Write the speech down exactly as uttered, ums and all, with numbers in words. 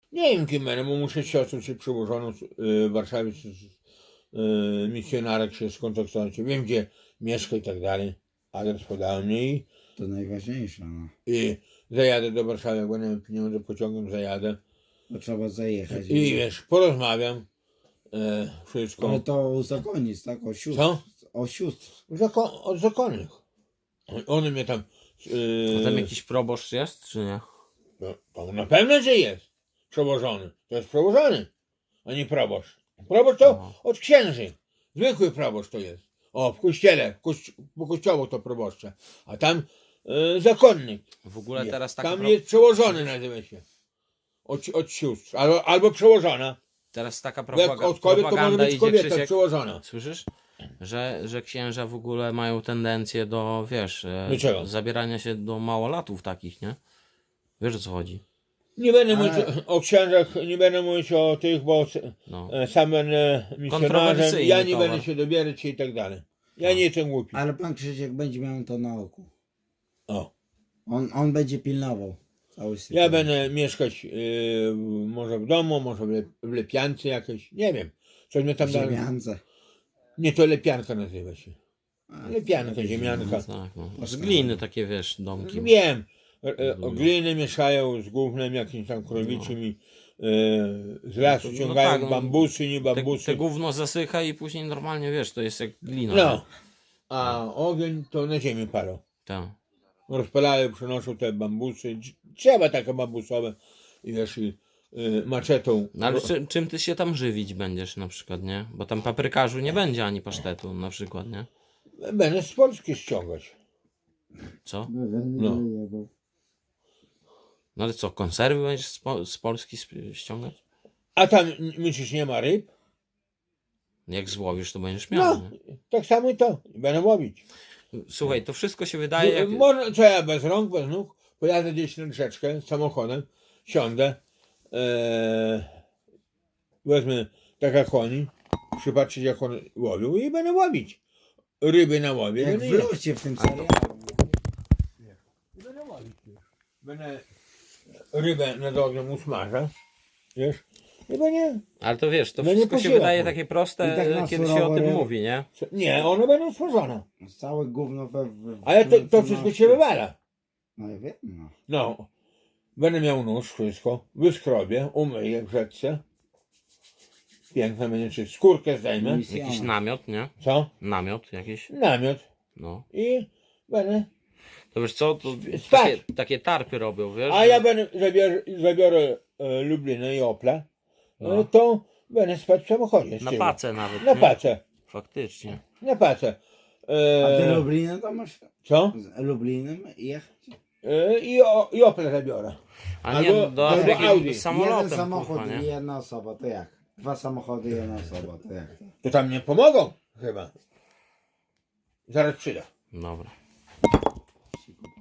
Nie wiem kim będę, bo muszę z siostrą się przełożoną w Warszawie, z, z, y, misjonarek się skontaktować. Wiem gdzie mieszka i tak dalej. Adres podałem mnie i, To najważniejsze, no. i zajadę do Warszawy, jak będę miał pieniądze, pociągiem zajadę. To trzeba zajechać. I wiesz, porozmawiam. E, wszystko. Ale to u zakonnic, tak? O sióstr. Co? O sióstr. Zakon, od zakonnych. One mnie tam. A tam Yy, jakiś proboszcz jest, czy nie? no, to na pewno, że jest przełożony. To jest przełożony, a nie proboszcz. Proboszcz to Aha. od księży. Zwykły proboszcz to jest. O, w kościele, w kości po kościoło to proboszcze. A tam yy, zakonnik. W ogóle jest. teraz taka, Tam pro... jest przełożony, nazywa się. Od, od sióstr. Albo, albo przełożona. teraz taka Bo jak propaga... od kobiet to może propaganda być idzie, kobieta Krzysiek. przełożona. Słyszysz? Że, że księża w ogóle mają tendencję do, wiesz, e, Do czego? zabierania się do małolatów takich, nie? Wiesz o co chodzi? Nie będę Ale- mówić o księżach, nie będę mówić o tych, bo No. e, sam będę misjonarzem, Kontrowersyjny ja nie towar. będę się dobierać i tak dalej. Ja No. nie jestem głupi. Ale pan Krzysiek będzie miał to na oku. O. On, on będzie pilnował cały Ja sytuacji. będę mieszkać e, może w domu, może w, le, w lepiance jakiejś, nie wiem. Coś mnie tam W da... ziemiance. Nie, to lepianka nazywa się. A, Lepianka, to ziemianka. Tak, no. Z gliny takie, wiesz, domki. Wiem. E, e, o gliny mieszają z gównem jakimś tam krowiczym i e, z lasu No to- no ciągają tak, no. bambusy, nie Te, bambusy. te gówno zasycha i później normalnie, wiesz, to jest jak glina. No. A ogień to na ziemi palą. Tak. Rozpalają, przynoszą te bambusy, dż- drzewa takie bambusowe i wiesz, i y, maczetą. No ale czy, czym ty się tam żywić będziesz na przykład, nie? Bo tam paprykarzu nie będzie ani pasztetu na przykład, nie? Będę z Polski ściągać. Co? No. No ale co, konserwy będziesz z, po, z Polski sp- ściągać? A tam myślisz, nie ma ryb? Jak złowisz, to będziesz miał, No, nie? tak samo i to. Będę łowić. Słuchaj, to wszystko się wydaje jak... Można, co ja bez rąk, bez nóg, pojadę gdzieś na rzeczkę samochodem, siądę, e, wezmę tak jak oni, przypatrzeć jak one łowią i będę łowić. Ryby na łowie. Jak będę w jeść. locie w tym serialu. I będę łowić już. Będę rybę nad ogniem usmażę, wiesz, i będzie... Ale to wiesz, to No nie wszystko się podziela, wydaje bo- takie I proste, tak na kiedy się surowo o tym ryb- mówi, nie? Nie, one będą smażone. Całe gówno we... we Ale to, w- to w- wszystko w- się wywala. No ja wiem, no. No, będę miał nóż, wszystko, wyskrobię, umyję w rzeczce. Piękne będzie, czy skórkę zdejmę. Misja. Jakiś namiot, nie? Co? Namiot jakiś, Namiot. no. I będę... To wiesz co, to Spać. takie, takie tarpy robią, wiesz? A że- ja będę, zabiorę, zabiorę e, Lublinę i Opla, e, No. to będę spać w samochodzie. z Na tyłu. pacę nawet, Na nie? pacę. Faktycznie. Na pacę. A ty E, Lublinem to masz? co? Z Lublinem jechać? E, I, o, I Opla zabiorę. A nie, Albo- do albo Afryki Audi. samolotem, Jeden samochód kurwa, i nie? jedna osoba, to jak? Dwa samochody i jedna osoba, to jak? To tam nie pomogą chyba. Zaraz przyda. Dobra.